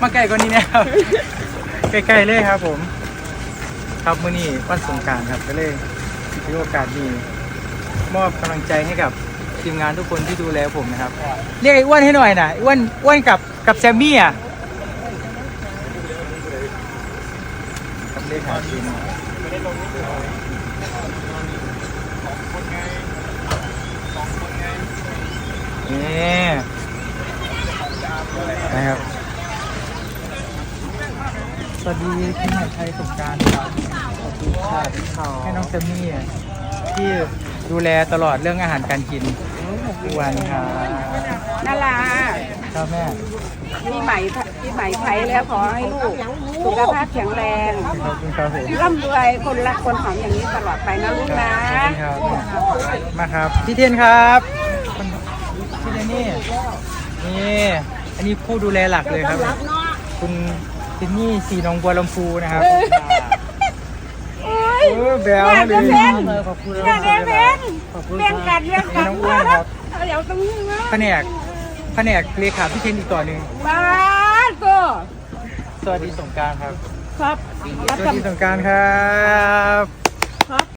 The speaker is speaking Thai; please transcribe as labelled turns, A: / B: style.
A: มาไกลกว่านี้เนี่ยครับใกล้ๆเลยครับผมครับมื้อนี้วันสงกรานต์ครับก็เลยถือโอกาสนี้มอบกำลังใจให้กับทีมงานทุกคนที่ดูแลผมนะครับเรียกไอ้อ้วนให้หน่อยนะอ้วนกับแซมมี่อ่ะครับเลขาทีมนี่นะครับสวัสดีพี่หมายไทยสงกรานต์ครับให้น้องแซมมี่ที่ดูแลตลอดเรื่องอาหารการกินทุกวันครับ
B: นารา
A: ครับแม่
B: ปีใหม่ไทยแล้วขอให้ลูกสุขภาพแข็งแรง
A: ขอบคุณครับผม
B: ร่ำรวยคนรักคนหอมอย่างนี้ตลอดไปนะลูกนะ
A: ครับมาครับพี่เทียนครับพี่เทียนนี่อันนี้ผู้ดูแลหลักเลยครับคุณทินนี่สีหนองบัวลำพูนะครับแบลเลยขอบคุณ
B: อยากได้เบ่งเบ่งกันเบ่งกัน
A: น้องอ้วนครับ
B: เดี๋ยวตรงนี้นะ
A: แผนกเลขาพี่เทียนอีกต่อหนึ่ง
B: บ้าก็
A: สวัสดีสงกรานต์ครับ
B: ครับ
A: สวัสดีสงกรานต์ครับ